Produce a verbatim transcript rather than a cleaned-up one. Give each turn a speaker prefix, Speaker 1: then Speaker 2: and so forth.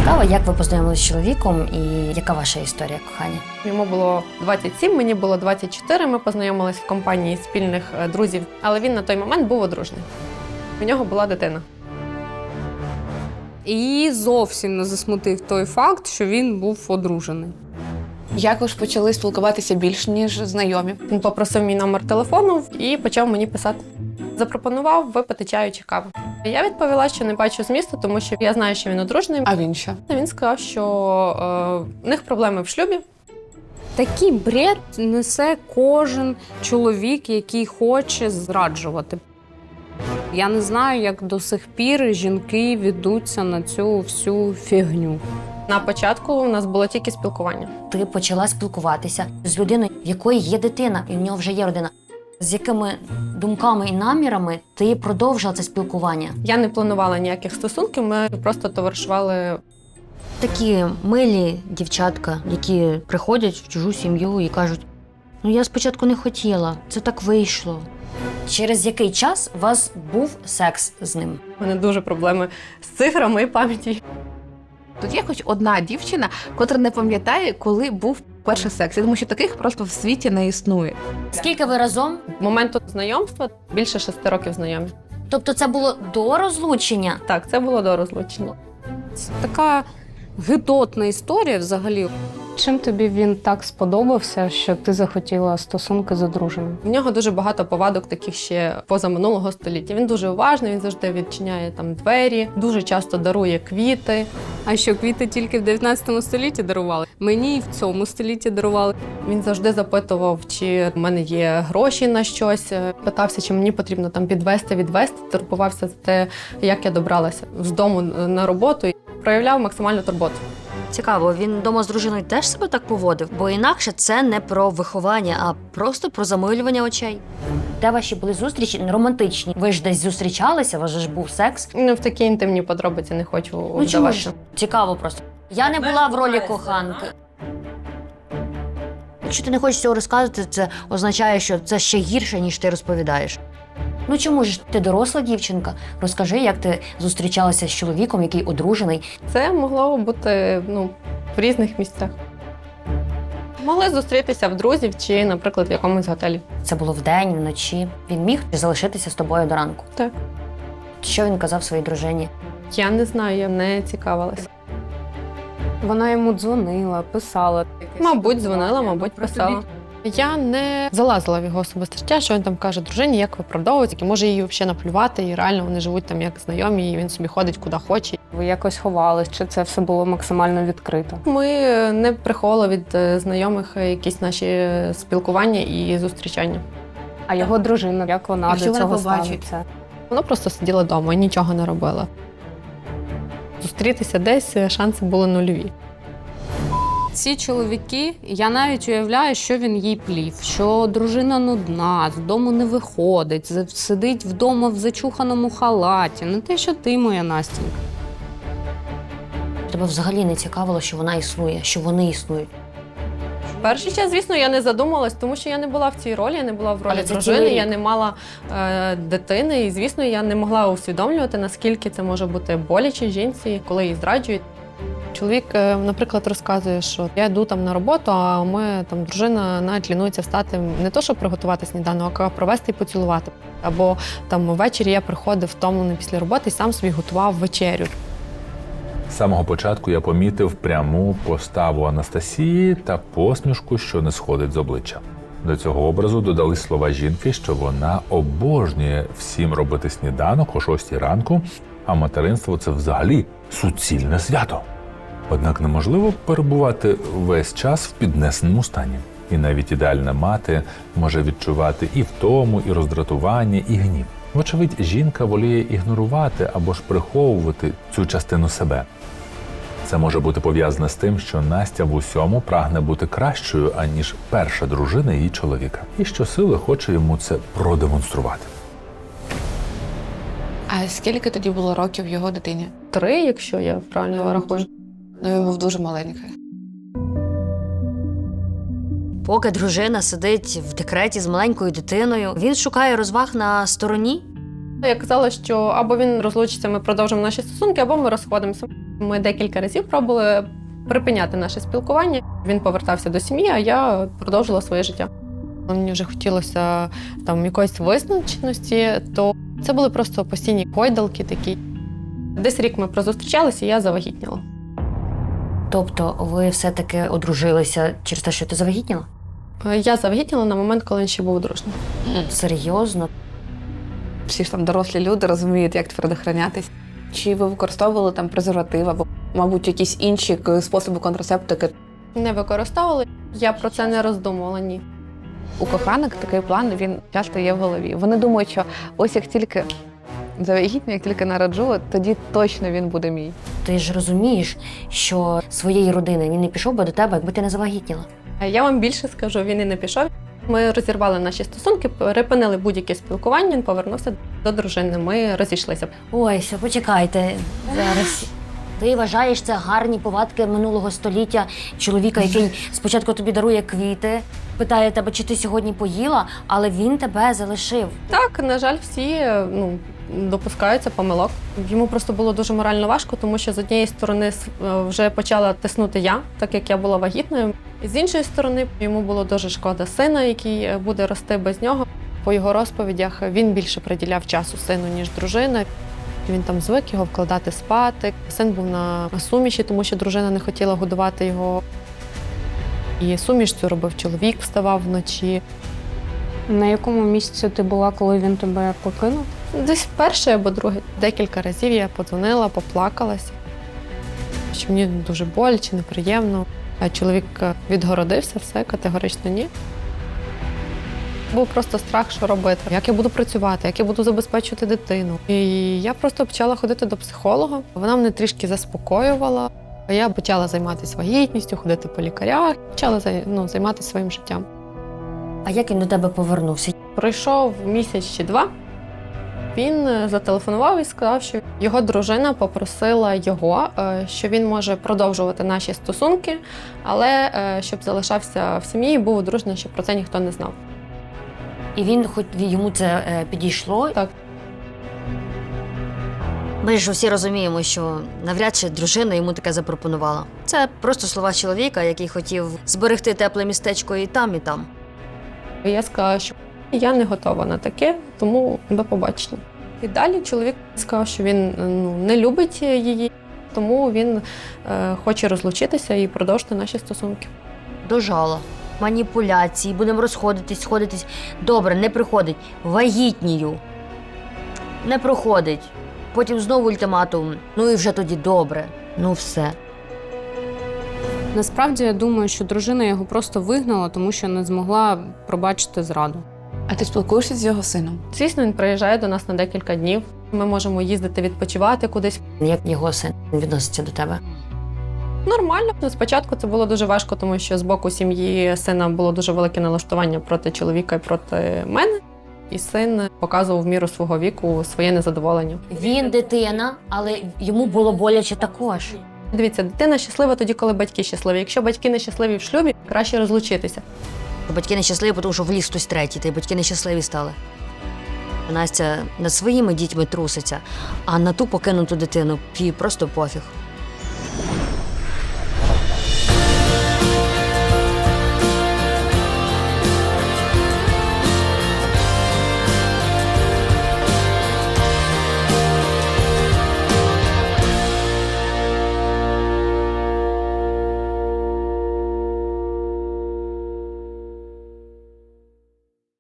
Speaker 1: цікаво, як ви познайомилися з чоловіком і яка ваша історія кохання?
Speaker 2: Йому було двадцять сім, мені було двадцять чотири. Ми познайомились в компанії спільних друзів, але він на той момент був одружений. У нього була дитина.
Speaker 3: І зовсім не засмутив той факт, що він був одружений.
Speaker 4: Як ви ж почали спілкуватися більш, ніж знайомі?
Speaker 2: Він попросив мій номер телефону і почав мені писати. Запропонував випити чаю чи каву. Я відповіла, що не бачу змісту, тому що я знаю, що він одружений.
Speaker 4: А він що?
Speaker 2: Він сказав, що е, в них проблеми в шлюбі.
Speaker 3: Такий бред несе кожен чоловік, який хоче зраджувати. Я не знаю, як до сих пір жінки ведуться на цю всю фігню.
Speaker 2: На початку у нас було тільки спілкування.
Speaker 1: Ти почала спілкуватися з людиною, в якої є дитина, і в нього вже є родина. З якими думками і намірами ти продовжила це спілкування?
Speaker 2: Я не планувала ніяких стосунків, ми просто товаришували.
Speaker 1: Такі милі дівчатка, які приходять в чужу сім'ю і кажуть: ну я спочатку не хотіла, це так вийшло. Через який час у вас був секс з ним?
Speaker 2: У мене дуже проблеми з цифрами і пам'яті.
Speaker 4: Тут є хоч одна дівчина, котра не пам'ятає, коли був перший секс. Я думаю, що таких просто в світі не існує.
Speaker 1: Скільки ви разом?
Speaker 2: З моменту знайомства більше шести років знайомі.
Speaker 1: Тобто це було до розлучення?
Speaker 2: Так, це було до розлучення.
Speaker 3: Це така гидотна історія взагалі. Чим тобі він так сподобався, що ти захотіла стосунки з одруженим?
Speaker 2: В нього дуже багато повадок таких ще поза минулого століття. Він дуже уважний, він завжди відчиняє там двері, дуже часто дарує квіти.
Speaker 3: А що, квіти тільки в дев'ятнадцятому столітті дарували? Мені і в цьому столітті дарували.
Speaker 2: Він завжди запитував, чи в мене є гроші на щось. Питався, чи мені потрібно там підвезти, відвезти. Турбувався за те, як я добралася з дому на роботу. Проявляв максимальну турботу.
Speaker 1: Цікаво, він вдома з дружиною теж себе так поводив? Бо інакше це не про виховання, а просто про замилювання очей. Де ваші були зустрічі романтичні? Ви ж десь зустрічалися, у вас же ж був секс?
Speaker 2: Ну, в такі інтимні подробиці не хочу
Speaker 1: Ну чому
Speaker 2: вдаватися.
Speaker 1: ж? Цікаво просто. Я не була в ролі коханки. Якщо ти не хочеш цього розказувати, це означає, що це ще гірше, ніж ти розповідаєш. Ну чому ж ти доросла дівчинка? Розкажи, як ти зустрічалася з чоловіком, який одружений.
Speaker 2: Це могло бути ну, в різних місцях. Могли зустрітися в друзів чи, наприклад, в якомусь готелі.
Speaker 1: Це було вдень, вночі. Він міг залишитися з тобою до ранку.
Speaker 2: Так.
Speaker 1: Що він казав своїй дружині?
Speaker 2: Я не знаю, я не цікавилася.
Speaker 3: Вона йому дзвонила, писала.
Speaker 2: Мабуть, дзвонила, мабуть, писала. Я не залазила в його особисте життя, що він там каже дружині, як виправдовується, і може її взагалі наплювати, і реально вони живуть там як знайомі, і він собі ходить куди хоче.
Speaker 3: Ви якось ховались, чи це все було максимально відкрито?
Speaker 2: Ми не приховували від знайомих якісь наші спілкування і зустрічання.
Speaker 3: А його дружина, як вона
Speaker 4: Якщо
Speaker 3: до
Speaker 4: вона
Speaker 3: цього
Speaker 4: побачить.
Speaker 3: ставиться?
Speaker 2: Вона просто сиділа вдома і нічого не робила. Зустрітися десь шанси були нульові.
Speaker 3: Ці чоловіки, я навіть уявляю, що він їй плів, що дружина нудна, з дому не виходить, з- сидить вдома в зачуханому халаті. Не те, що ти, моя Настенька.
Speaker 1: Тебе взагалі не цікавило, що вона існує, що вони існують.
Speaker 2: Перший час, звісно, я не задумалась, тому що я не була в цій ролі, я не була в ролі
Speaker 1: Але це
Speaker 2: дружини,
Speaker 1: цілий
Speaker 2: я
Speaker 1: рік.
Speaker 2: не мала е, дитини, і, звісно, я не могла усвідомлювати, наскільки це може бути боляче жінці, коли її зраджують. Чоловік, е, наприклад, розказує, що я йду там на роботу, а ми там дружина навіть лінується встати не то, щоб приготувати сніданок, а провести і поцілувати. Або там ввечері я приходив втомлений після роботи і сам собі готував вечерю.
Speaker 5: З самого початку я помітив пряму поставу Анастасії та посмішку, що не сходить з обличчя. До цього образу додали слова жінки, що вона обожнює всім робити сніданок о шостій ранку, а материнство – це взагалі суцільне свято. Однак неможливо перебувати весь час в піднесеному стані. І навіть ідеальна мати може відчувати і втому, і роздратування, і гнів. Вочевидь, жінка воліє ігнорувати або ж приховувати цю частину себе. Це може бути пов'язане з тим, що Настя в усьому прагне бути кращою, аніж перша дружина її чоловіка. І щосили хоче йому це продемонструвати.
Speaker 4: А скільки тоді було років його дитині?
Speaker 2: Три, якщо я правильно рахую.
Speaker 4: Ну, він був дуже маленький.
Speaker 1: Поки дружина сидить в декреті з маленькою дитиною, він шукає розваг на стороні.
Speaker 2: Я казала, що або він розлучиться, ми продовжимо наші стосунки, або ми розходимося. Ми декілька разів пробували припиняти наше спілкування. Він повертався до сім'ї, а я продовжила своє життя. Мені вже хотілося там якоїсь визначеності, то це були просто постійні гойдалки такі. Десь рік ми прозустрічалися, і я завагітніла.
Speaker 1: Тобто ви все-таки одружилися через те, що ти завагітніла?
Speaker 2: Я завагітніла на момент, коли він ще був одружений.
Speaker 1: Серйозно?
Speaker 4: Всі ж там дорослі люди розуміють, як предохранятись. Чи ви використовували там презерватив або, мабуть, якісь інші способи контрацептики?
Speaker 2: Не використовували, я про це не роздумувала, ні.
Speaker 4: У коханок такий план, він часто є в голові. Вони думають, що ось як тільки завагітню, як тільки народжу, тоді точно він буде мій.
Speaker 1: Ти ж розумієш, що своєї родини він не пішов би до тебе, якби ти не завагітніла.
Speaker 2: Я вам більше скажу, він і не пішов. Ми розірвали наші стосунки, перепинили будь-яке спілкування, він повернувся до дружини, ми розійшлися.
Speaker 1: Ой, все, почекайте. Зараз. Ти вважаєш це гарні повадки минулого століття чоловіка, який спочатку тобі дарує квіти, питає тебе, чи ти сьогодні поїла, але він тебе залишив.
Speaker 2: Так, на жаль, всі ну, допускаються помилок. Йому просто було дуже морально важко, тому що з однієї сторони вже почала тиснути я, так як я була вагітною. З іншої сторони, йому було дуже шкода сина, який буде рости без нього. По його розповідях він більше приділяв часу сину, ніж дружина. Він там звик його вкладати спати. Син був на суміші, тому що дружина не хотіла годувати його. І суміш цю робив чоловік, вставав вночі.
Speaker 3: На якому місці ти була, коли він тебе покинув?
Speaker 2: Десь перший або другий. Декілька разів я подзвонила, поплакалася, що мені дуже боляче, неприємно. А чоловік відгородився, все, категорично ні. Був просто страх, що робити, як я буду працювати, як я буду забезпечувати дитину. І я просто почала ходити до психолога. Вона мене трішки заспокоювала. Я почала займатися вагітністю, ходити по лікарях, почала ну, займатися своїм життям.
Speaker 1: А як він до тебе повернувся?
Speaker 2: Пройшов місяць чи два. Він зателефонував і сказав, що його дружина попросила його, що він може продовжувати наші стосунки, але щоб залишався в сім'ї і був одружений, щоб про це ніхто не знав.
Speaker 1: І він, хоч йому це е, підійшло?
Speaker 2: Так.
Speaker 1: Ми ж всі розуміємо, що навряд чи дружина йому таке запропонувала. Це просто слова чоловіка, який хотів зберегти тепле містечко і там, і там.
Speaker 2: І я сказала, що я не готова на таке, тому до побачення. І далі чоловік сказав, що він ну, не любить її, тому він е, хоче розлучитися і продовжити наші стосунки.
Speaker 1: Дожала. Маніпуляції, будемо розходитись, сходитись. Добре, не приходить. Вагітнію. Не проходить. Потім знову ультиматум. Ну і вже тоді добре. Ну все.
Speaker 3: Насправді, я думаю, що дружина його просто вигнала, тому що не змогла пробачити зраду.
Speaker 4: А ти спілкуєшся з його сином?
Speaker 2: Звісно, він приїжджає до нас на декілька днів. Ми можемо їздити відпочивати кудись.
Speaker 1: Як його син відноситься до тебе?
Speaker 2: Нормально. Спочатку це було дуже важко, тому що з боку сім'ї сина було дуже велике налаштування проти чоловіка і проти мене. І син показував в міру свого віку своє незадоволення.
Speaker 1: Він дитина, але йому було боляче також.
Speaker 2: Дивіться, дитина щаслива тоді, коли батьки щасливі. Якщо батьки не щасливі в шлюбі, краще розлучитися.
Speaker 1: Батьки нещасливі, тому що вліз хтось третій, та й батьки нещасливі стали. Настя над своїми дітьми труситься, а на ту покинуту дитину їй просто пофіг.